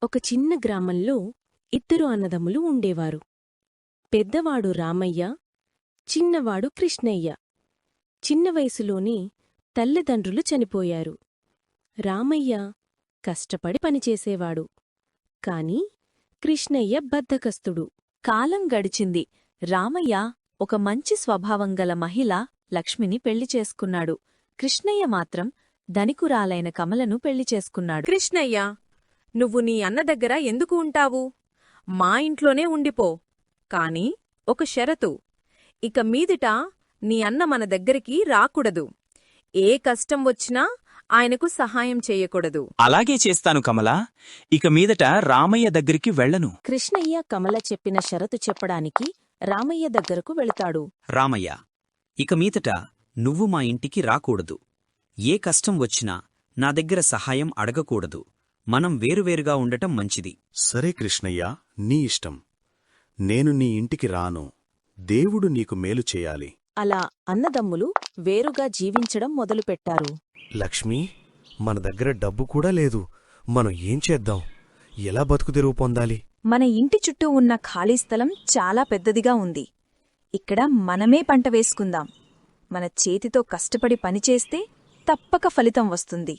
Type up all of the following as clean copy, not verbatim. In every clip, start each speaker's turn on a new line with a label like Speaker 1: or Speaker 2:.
Speaker 1: ఒక చిన్న గ్రామంలో ఇద్దరు అన్నదమ్ములు ఉండేవారు. పెద్దవాడు రామయ్య, చిన్నవాడు కృష్ణయ్య. చిన్న వయసులోనే తల్లిదండ్రులు చనిపోయారు. రామయ్య కష్టపడి పనిచేసేవాడు. కాని కృష్ణయ్య బద్ధకస్తుడు.
Speaker 2: కాలం గడిచింది. రామయ్య ఒక మంచి స్వభావంగల మహిళ లక్ష్మిని పెళ్లి చేసుకున్నాడు. కృష్ణయ్య మాత్రం ధనికురాలైన కమలను పెళ్లి చేసుకున్నాడు.
Speaker 3: కృష్ణయ్య, నువ్వు నీ అన్న దగ్గర ఎందుకు ఉంటావు? మా ఇంట్లోనే ఉండిపో. కాని ఒక షరతు, ఇక మీదిట నీ అన్న మన దగ్గరికి రాకూడదు. ఏ కష్టం వచ్చినా ఆయనకు సహాయం చేయకూడదు.
Speaker 4: అలాగే చేస్తాను కమలా. ఇక మీదట రామయ్య దగ్గరికి వెళ్ళను.
Speaker 1: కృష్ణయ్య కమల చెప్పిన షరతు చెప్పడానికి రామయ్య దగ్గరకు వెళతాడు.
Speaker 5: రామయ్య, ఇక మీదట నువ్వు మా ఇంటికి రాకూడదు. ఏ కష్టం వచ్చినా నా దగ్గర సహాయం అడగకూడదు. మనం వేరువేరుగా ఉండటం మంచిది.
Speaker 6: సరే కృష్ణయ్య, నీ ఇష్టం. నేను నీ ఇంటికి రాను. దేవుడు నీకు మేలు చేయాలి.
Speaker 1: అలా అన్నదమ్ములు వేరుగా జీవించడం మొదలుపెట్టారు.
Speaker 6: లక్ష్మీ, మన దగ్గర డబ్బు కూడా లేదు. మనం ఏం చేద్దాం? ఎలా బతుకుదెరువు పొందాలి?
Speaker 2: మన ఇంటి చుట్టూ ఉన్న ఖాళీ స్థలం చాలా పెద్దదిగా ఉంది. ఇక్కడ మనమే పంట వేసుకుందాం. మన చేతితో కష్టపడి పనిచేస్తే తప్పక ఫలితం వస్తుంది.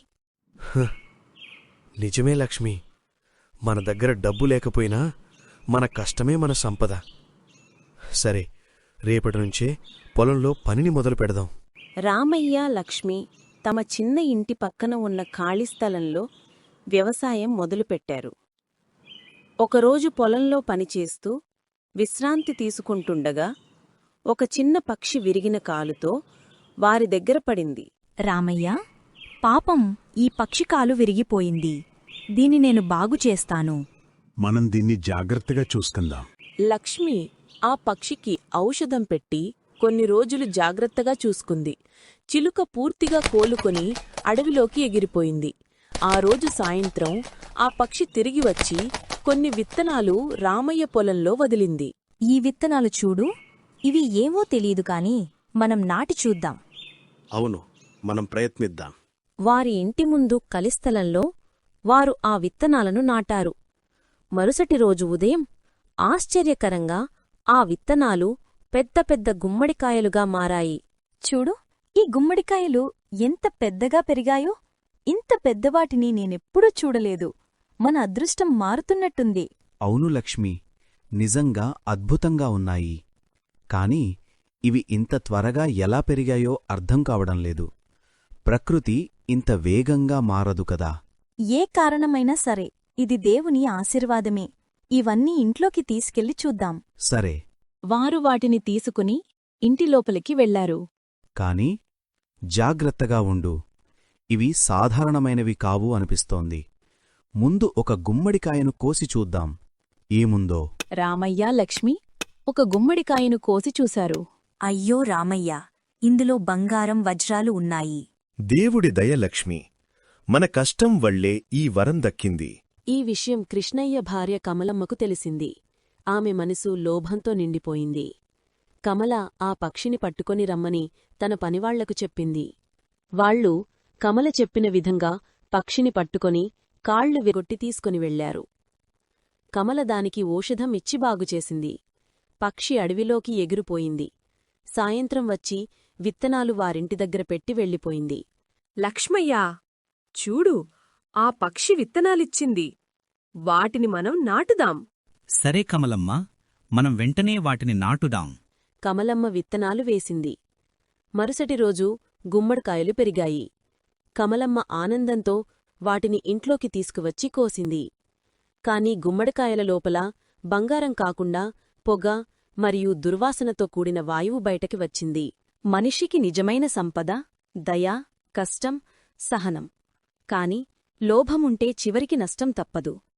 Speaker 6: నిజమే లక్ష్మీ. మన దగ్గర డబ్బు లేకపోయినా మన కష్టమే మన సంపద. సరే, రేపటినుంచే పొలంలో పనిని మొదలు పెడదాం.
Speaker 1: రామయ్య, లక్ష్మి తమ చిన్న ఇంటి పక్కన ఉన్న ఖాళీ స్థలంలో వ్యవసాయం మొదలుపెట్టారు. ఒకరోజు పొలంలో పనిచేస్తూ విశ్రాంతి తీసుకుంటుండగా ఒక చిన్న పక్షి విరిగిన కాలుతో వారి దగ్గర పడింది.
Speaker 2: రామయ్య, పాపం ఈ పక్షి కాలు విరిగిపోయింది. దీన్ని నేను బాగుచేస్తాను.
Speaker 7: మనం దీన్ని జాగ్రత్తగా చూసుకుందాం.
Speaker 1: లక్ష్మి ఆ పక్షికి ఔషధం పెట్టి కొన్ని రోజులు జాగ్రత్తగా చూసుకుంది. చిలుక పూర్తిగా కోలుకొని అడవిలోకి ఎగిరిపోయింది. ఆ రోజు సాయంత్రం ఆ పక్షి తిరిగి వచ్చి కొన్ని విత్తనాలు రామయ్య పొలంలో వదిలింది.
Speaker 2: ఈ విత్తనాలు చూడు. ఇవి ఏవో తెలీదు కాని మనం నాటి చూద్దాం.
Speaker 6: అవును, మనం ప్రయత్నిద్దాం.
Speaker 1: వారి ఇంటి ముందు కలిస్థలంలో వారు ఆ విత్తనాలను నాటారు. మరుసటి రోజు ఉదయం ఆశ్చర్యకరంగా ఆ విత్తనాలు పెద్ద పెద్ద గుమ్మడికాయలుగా మారాయి.
Speaker 2: చూడు, ఈ గుమ్మడికాయలు ఎంత పెద్దగా పెరిగాయో! ఇంత పెద్దవాటిని నేనెప్పుడూ చూడలేదు. మన అదృష్టం మారుతున్నట్టుంది.
Speaker 5: అవును లక్ష్మి, నిజంగా అద్భుతంగా ఉన్నాయి. కాని ఇవి ఇంత త్వరగా ఎలా పెరిగాయో అర్థం కావడం లేదు. ప్రకృతి ఇంత వేగంగా మారదు కదా.
Speaker 2: ఏ కారణమైనా సరే ఇది దేవుని ఆశీర్వాదమే. ఇవన్నీ ఇంట్లోకి తీసుకెళ్లి చూద్దాం.
Speaker 5: సరే,
Speaker 1: వారు వాటిని తీసుకుని ఇంటిలోపలికి వెళ్లారు.
Speaker 5: కాని జాగ్రత్తగా ఉండు. ఇవి సాధారణమైనవి కావు అనిపిస్తోంది. ముందు ఒక గుమ్మడికాయను కోసి చూద్దాం ఏముందో.
Speaker 1: రామయ్య, లక్ష్మి ఒక గుమ్మడికాయను కోసి చూశారు.
Speaker 2: అయ్యో రామయ్య, ఇందులో బంగారం, వజ్రాలు ఉన్నాయి.
Speaker 6: దేవుడి దయ లక్ష్మి. మన కష్టం వల్లే ఈ వరం దక్కింది.
Speaker 1: ఈ విషయం కృష్ణయ్య భార్య కమలమ్మకు తెలిసింది. ఆమె మనసు లోభంతో నిండిపోయింది. కమల ఆ పక్షిని పట్టుకొని రమ్మని తన పనివాళ్లకు చెప్పింది. వాళ్ళు కమల చెప్పిన విధంగా పక్షిని పట్టుకొని కాళ్లు విగొట్టి తీసుకొని వెళ్లారు. కమల దానికి ఔషధం ఇచ్చి బాగుచేసింది. పక్షి అడవిలోకి ఎగిరిపోయింది. సాయంత్రం వచ్చి విత్తనాలు వారింటి దగ్గర పెట్టి వెళ్ళిపోయింది.
Speaker 3: లక్ష్మయ్యా, చూడు, ఆ పక్షి విత్తనాలిచ్చింది. వాటిని మనం నాటుదాం.
Speaker 4: సరే కమలమ్మ, మనం వెంటనే వాటిని నాటుదాం.
Speaker 1: కమలమ్మ విత్తనాలు వేసింది. మరుసటి రోజు గుమ్మడికాయలు పెరిగాయి. కమలమ్మ ఆనందంతో వాటిని ఇంట్లోకి తీసుకువచ్చి కోసింది. కాని గుమ్మడికాయల లోపల బంగారం కాకుండా పొగ మరియు దుర్వాసనతో కూడిన వాయువు బయటకి వచ్చింది. మనిషికి నిజమైన సంపద దయ, కష్టం, సహనం. కాని లోభముంటే చివరికి నష్టం తప్పదు.